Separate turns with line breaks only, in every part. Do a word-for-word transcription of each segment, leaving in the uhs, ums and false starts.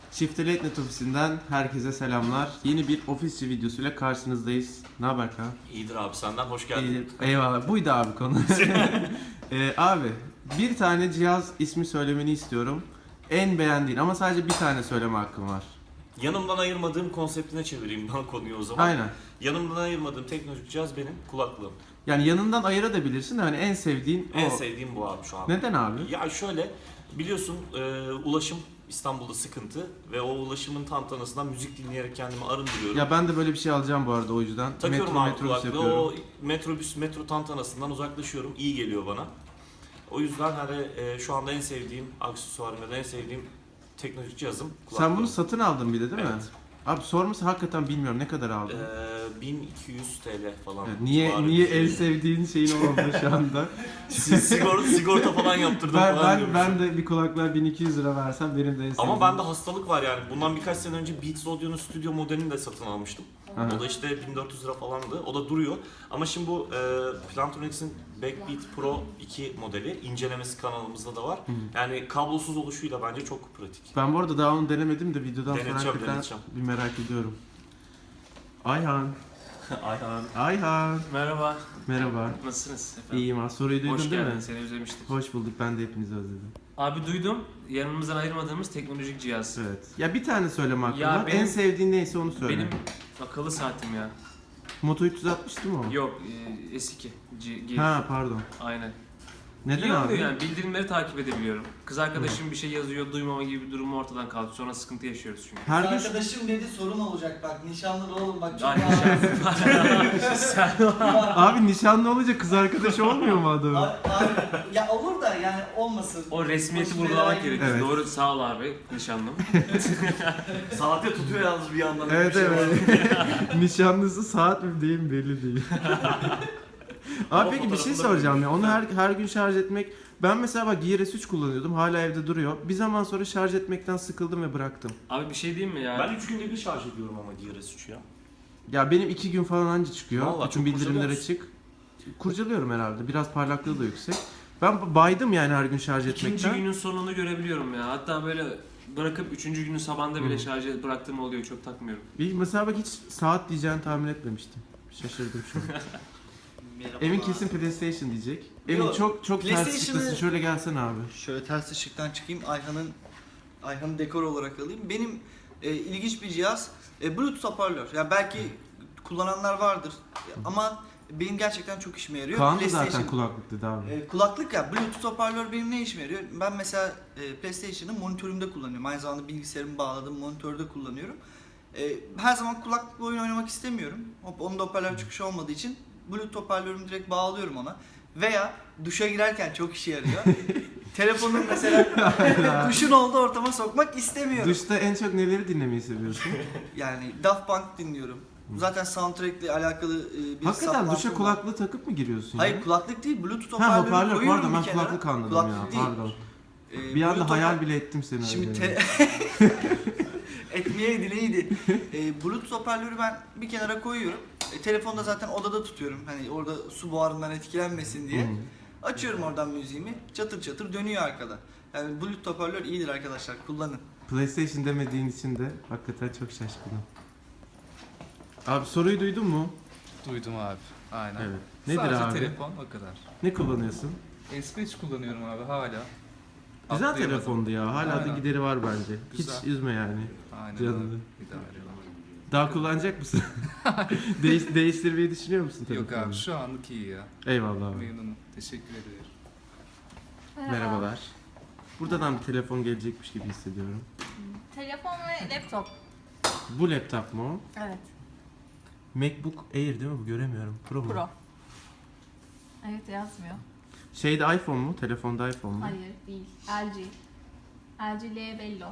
Shift'e Late Night ofisinden herkese selamlar. Yeni bir ofisçi videosuyla karşınızdayız. Ne haber Kaan?
İyidir abi, senden hoş geldin.
İyi, eyvallah. Buydu abi konu. ee, abi bir tane cihaz ismi söylemeni istiyorum. En beğendiğin ama sadece bir tane söyleme hakkım var.
Yanımdan ayırmadığım konseptine çevireyim ben konuyu o zaman.
Aynen.
Yanımdan ayırmadığım teknolojik cihaz benim kulaklığım.
Yani yanından ayırabilirsin de hani en sevdiğin
En
o.
sevdiğim bu abi şu an.
Neden abi?
Ya şöyle, biliyorsun e, ulaşım İstanbul'da sıkıntı ve o ulaşımın tantanasından müzik dinleyerek kendimi arındırıyorum.
Ya ben de böyle bir şey alacağım bu arada o yüzden.
Takıyorum
metro
abi
metrobüs
kulaklığı,
yapıyorum.
o metrobüs, metro tantanasından uzaklaşıyorum, iyi geliyor bana. O yüzden hani e, şu anda en sevdiğim aksesuarım ya da en sevdiğim teknolojik cihazım kulaklığım.
Sen bunu satın aldın bir de değil mi?
Evet.
Abi sorması hakikaten bilmiyorum ne kadar aldın.
Ee, bin iki yüz TL falan.
Evet, niye
civarı
niye
bir şey.
en sevdiğin şeyin olmadı şu anda?
sigorta, sigorta falan yaptırdım
ben
falan
ben,
diyormuşum.
ben de bir kulaklığa bin iki yüz lira versem benim de en sevdiğim.
Ama bende hastalık var yani. Bundan birkaç sene önce Beats Audio'nun stüdyo modelini de satın almıştım.
Aha.
O da işte bin dört yüz lira falandı. O da duruyor. Ama şimdi bu e, Plantronics'in Backbeat Pro iki modeli incelemesi kanalımızda da var.
Hı.
Yani kablosuz oluşuyla bence çok pratik.
Ben bu arada daha onu denemedim de videodan sonra
Deneteceğim,
hakikaten
deneteceğim.
bir merak ediyorum. Ayhan.
Ayhan.
Ayhan.
Merhaba.
Merhaba.
Nasılsınız efendim?
İyiyim abi. Soruyu duydun
Hoş
değil
geldin.
mi?
Seni özlemiştik.
Hoş bulduk. Ben de hepinizi özledim.
Abi duydum. Yanımızdan ayırmadığımız teknolojik cihaz.
Evet. Ya bir tane söyleme hakkım
Ya
var.
benim-
En sevdiğin neyse onu söyle.
Benim akıllı saatim ya.
Moto üç yüz altmış değil mi o?
Yok, e, S iki. G, G.
Ha pardon.
Aynen.
Neden
İyi
abi?
oluyor yani. Bildirimleri takip edebiliyorum. Kız arkadaşım bir şey yazıyor, duymama gibi bir durum ortadan kalktı. Sonra sıkıntı yaşıyoruz çünkü.
Her gün
Arkadaşım dedi sorun olacak bak nişanlı da oğlum bak çok
Ay,
ağır.
Sen
abi nişanlı olunca kız arkadaşı olmuyor mu adamın?
Abi, abi, ya olur da yani olmasın.
o resmiyeti
Başına
vurgulamak
belaya
gerekiyor.
Evet.
Doğru, sağ ol abi nişanlım.
Saate tutuyor yalnız bir yandan.
Evet
Bir şey var.
evet. Nişanlısı saat mi değil mi belli değil.
Ama
Abi peki bir şey
fotoğrafında
soracağım ya.
koymuş.
Onu her her gün şarj etmek. Ben mesela bak Gear S üç kullanıyordum. Hala evde duruyor. Bir zaman sonra şarj etmekten sıkıldım ve bıraktım.
Abi bir şey diyeyim mi ya?
Ben üç günde bir şarj ediyorum ama D R S üç ya.
Ya benim iki gün falan anca çıkıyor.
Vallahi
Bütün
çok
bildirimler
kurcalıyor
açık. Kurcalıyorum herhalde. Biraz parlaklığı da yüksek. Ben baydım yani her gün şarj
İkinci
etmekten.
günün sonunu görebiliyorum ya. Hatta böyle bırakıp üçüncü günün sabahında bile
Hı.
şarj bıraktığım oluyor. Çok takmıyorum.
Bir mesela bak hiç saat diyeceğini tahmin etmemiştim. Şaşırdım şu an.
Merhaba.
Emin kesin PlayStation diyecek. Emin
Yok,
çok çok ters
PlayStation'ı-
çıkmasın. Şöyle gelsene abi.
Şöyle ters ışıktan çıkayım Ayhan'ın Ayhan'ı dekor olarak alayım. Benim e, ilginç bir cihaz e, Bluetooth hoparlör. Yani belki kullananlar vardır ama benim gerçekten çok işime yarıyor.
Kaan da zaten
PlayStation-
kulaklık dedi abi.
E, kulaklık ya Bluetooth hoparlör benim ne işime yarıyor? Ben mesela e, PlayStation'ı monitörümde kullanıyorum. Aynı zamanda bilgisayarımı bağladığım monitörde kullanıyorum. E, her zaman kulaklıkla oyun oynamak istemiyorum. Hop, onun da hoparlör çıkışı olmadığı için Bluetooth hoparlörümü direkt bağlıyorum ona. Veya duşa girerken çok işe yarıyor. Telefonun mesela duşun olduğu ortama sokmak istemiyorum.
Duşta en çok neleri dinlemeyi seviyorsun?
Yani Daft Punk dinliyorum. Zaten soundtrack'le alakalı e, bir
Hakikaten
saplantım
duşa
var.
kulaklığı takıp mı giriyorsun
Hayır
ya?
kulaklık değil Bluetooth
Ha
hoparlörü
hoparlör
koyuyorum
pardon ben
bir kenara.
kulaklık anladım
Kulaklık
ya
değil.
pardon.
Ee,
Bir anda
Bluetooth
hayal
hopar-
bile ettim seni.
Şimdi
öyle.
te- etmeyeydi neydi? Ee, Bluetooth hoparlörü ben bir kenara koyuyorum. E, telefonda zaten odada tutuyorum. Hani orada su buharından etkilenmesin diye.
Hı.
Açıyorum oradan müziğimi. Çatır çatır dönüyor arkada. Yani Bluetooth hoparlör iyidir arkadaşlar. Kullanın.
PlayStation demediğin için de hakikaten çok şaşkınım. Abi soruyu duydun mu?
Duydum abi. Aynen.
Evet. Nedir
Sadece
abi?
telefon o kadar.
Ne kullanıyorsun?
S beş kullanıyorum abi hala.
Güzel
Atlayamadım.
telefondu ya. Hala da
Aynen.
gideri var bence.
Güzel.
Hiç üzme yani.
Aynen
Canını.
abi. İdare ediyorum.
Daha kullanacak mısın? Değiş, değiştirmeyi düşünüyor musun
Yok
telefonunu?
abi şu anlık iyi ya.
Eyvallah abi.
Memnunum. Teşekkür ederim.
Merhabalar. Buradan bir telefon gelecekmiş gibi hissediyorum.
Telefon ve laptop.
Bu laptop mu o?
Evet.
MacBook Air değil mi bu? Göremiyorum. Pro mu?
Pro. Evet yazmıyor.
Şeyde iPhone mu? Telefonda iPhone mu?
Hayır değil. L G. L G Lebello.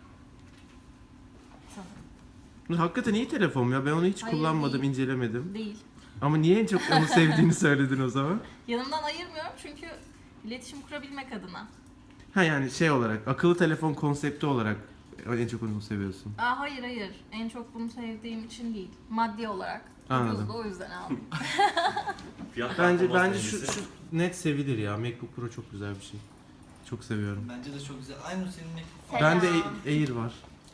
Sanırım.
Hakikaten iyi telefon ya. Ben onu hiç
Hayır,
kullanmadım,
değil.
incelemedim.
Değil.
Ama niye en çok onu sevdiğini söyledin o zaman?
Yanımdan ayırmıyorum çünkü iletişim kurabilmek adına.
Ha yani şey olarak, akıllı telefon konsepti olarak en çok onu seviyorsun.
Aa, hayır hayır. En çok bunu sevdiğim için değil. Maddi olarak.
Anladım.
Ucuzdu, o yüzden aldım.
Fiyat
Bence
performans
bence şu,
dengesi.
şu net sevilir ya. MacBook Pro çok güzel bir şey. Çok seviyorum.
Bence de çok güzel. Aynı senin MacBook.
Selam.
Bende Air var.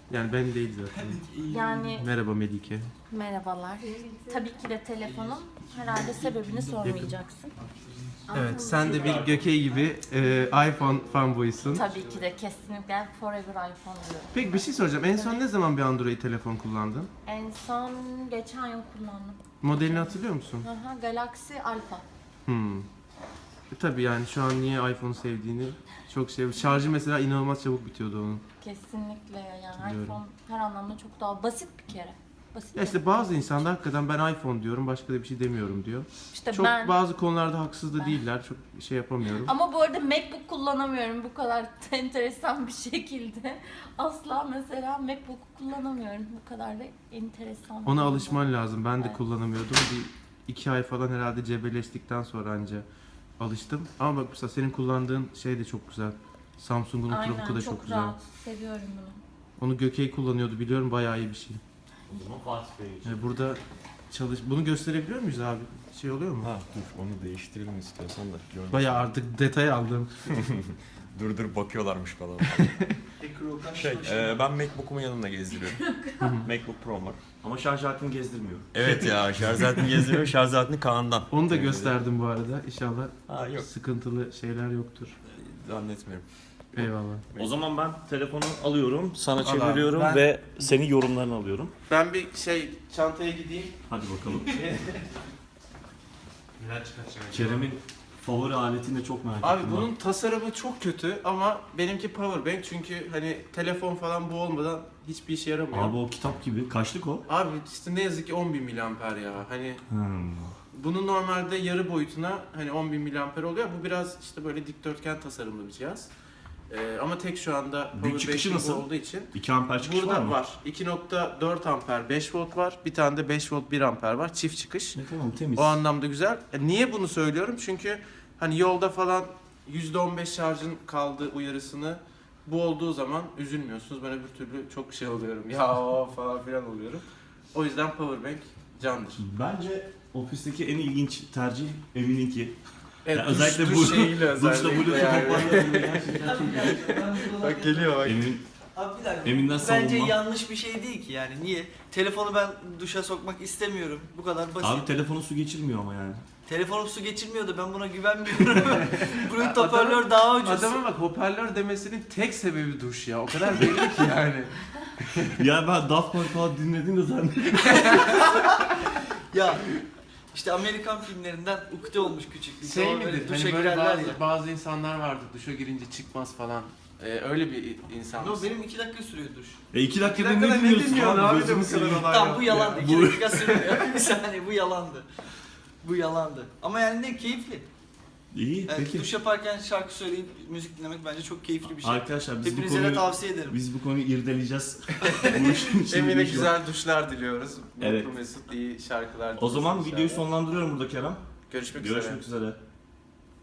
Yani ben değil zaten.
Yani
Merhaba Melike.
merhabalar. Tabii ki de telefonum. Herhalde sebebini sormayacaksın.
Evet, sen de bir Gökey gibi e, iPhone fanboysun.
Tabii ki de kesinlikle forever iPhone diyorum.
Peki bir şey soracağım. En son ne zaman bir Android telefon kullandın?
En son geçen yıl kullandım.
Modelini hatırlıyor musun?
Aha, Galaxy Alpha.
Hmm. E, tabii yani şu an niye iPhone sevdiğini çok şey. Şarjı mesela inanılmaz çabuk bitiyordu onun.
Kesinlikle yani
Biliyorum.
iPhone her anlamda çok daha basit bir kere. Basit.
Ya işte bazı insanlar hakikaten ben iPhone diyorum, başka da bir şey demiyorum diyor.
İşte
Çok
ben
bazı konularda haksız da
Ben-
değiller. Çok şey yapamıyorum.
ama bu arada MacBook kullanamıyorum bu kadar enteresan bir şekilde. Asla mesela MacBook kullanamıyorum bu kadar da enteresan. bir
Ona
durumda.
alışman lazım. Ben de
Evet.
kullanamıyordum. Bir iki ay falan herhalde cebelleştikten sonra anca alıştım. Ama bak mesela senin kullandığın şey de çok güzel. Samsung'un
Aynen
Ultrabook'u da
çok,
çok, güzel.
rahat. Seviyorum bunu.
Onu Gökey kullanıyordu biliyorum, bayağı iyi bir şey.
O zaman Fatih Bey için.
Yani burada çalış... Bunu gösterebiliyor muyuz abi? Şey oluyor mu?
Ha dur onu değiştirelim istiyorsan da. Görmüş.
Bayağı artık detay aldım.
Dur dur bakıyorlarmış falan.
Hacker Okan
şey, e, ben MacBook'umu yanımda gezdiriyorum. MacBook Pro var.
Ama şarj aletini gezdirmiyor.
Evet ya şarj aletini gezdiriyorum. Şarj aletini Kaan'dan.
Onu da
Tebrik
gösterdim bu arada. İnşallah
Ha yok.
sıkıntılı şeyler yoktur.
Zannetmiyorum.
Eyvallah.
O zaman ben telefonu alıyorum, sana
Al abi.
çeviriyorum
Ben-
ve senin yorumlarını alıyorum.
Ben bir şey çantaya gideyim.
Hadi bakalım.
Neler çıkartacağım?
Kerem'in favori aletini de çok merak
Abi
ettim.
bunun tasarımı çok kötü ama benimki powerbank çünkü hani telefon falan bu olmadan hiçbir işe yaramıyor.
Abi o kitap gibi. Kaçlık o?
Abi işte ne yazık ki on bin miliamper ya. Hani
Hmm.
bunun normalde yarı boyutuna hani on bin miliamper oluyor. Bu biraz işte böyle dikdörtgen tasarımlı bir cihaz. Ee, ama tek şu anda
Büyük çıkışı
powerbank'in bu
nasıl?
olduğu için.
iki amper çıkış
Burada
var mı?
var. iki nokta dört amper beş volt var. Bir tane de beş volt bir amper var. Çift çıkış.
Ne tamam temiz.
O anlamda güzel. E, niye bunu söylüyorum? Çünkü hani yolda falan yüzde on beş şarjın kaldığı uyarısını bu olduğu zaman üzülmüyorsunuz. Ben öbür türlü çok şey oluyorum. Ya falan filan oluyorum. O yüzden powerbank candır.
Bence ofisteki en ilginç tercih Emin'inki.
Evet,
Ya
duş-
özellikle
duş
bu-
şeyiyle
Duşta
özellikle
Bluetooth
yani.
hoparlörü gerçekten çok iyi.
Bak geliyor bak.
Emin,
Abi bir dakika.
Emin'den
Bence
savunma.
yanlış bir şey değil ki yani. Niye? Telefonu ben duşa sokmak istemiyorum. Bu kadar basit.
Abi telefonu su geçirmiyor ama yani.
Telefonum su geçirmiyor da ben buna güvenmiyorum. Bunun hoparlör daha ucuz.
Adamın bak hoparlör demesinin tek sebebi duş ya. O kadar belli ki yani.
Ya ben Daft Punk falan dinledim de zannediyorum.
Ya işte Amerikan filmlerinden ukde olmuş küçüklük.
Şey
Sonra
midir?
böyle duşa
Hani böyle
girerler
bazı,
ya.
bazı insanlar vardır duşa girince çıkmaz falan. Ee, öyle bir insan
No,
mısın?
benim iki dakika sürüyor duş.
E iki dakikada
dakikada
ne
ne
dinliyorsun
dinliyorsun abi de
Gözünü
bu kadar
seveyim.
olay
Tamam
yok
bu
ya.
yalandı. İki
Bu-
dakika sürmüyor. Bir saniye bu yalandı. Bu yalandı. Ama yani ne keyifli.
İyi
Yani
peki.
duş yaparken şarkı söyleyip müzik dinlemek bence çok keyifli bir şey.
Arkadaşlar biz bu
Hepinize de
konuyu
tavsiye ederim.
biz bu konuyu irdeleyeceğiz. Bu işin içinde
Emine
bir şey var.
güzel duşlar diliyoruz.
Evet.
Mutlu Mesut iyi şarkılar
O zaman
dinlesin
videoyu
inşallah.
sonlandırıyorum burada Kerem.
Görüşmek üzere.
Görüşmek üzere.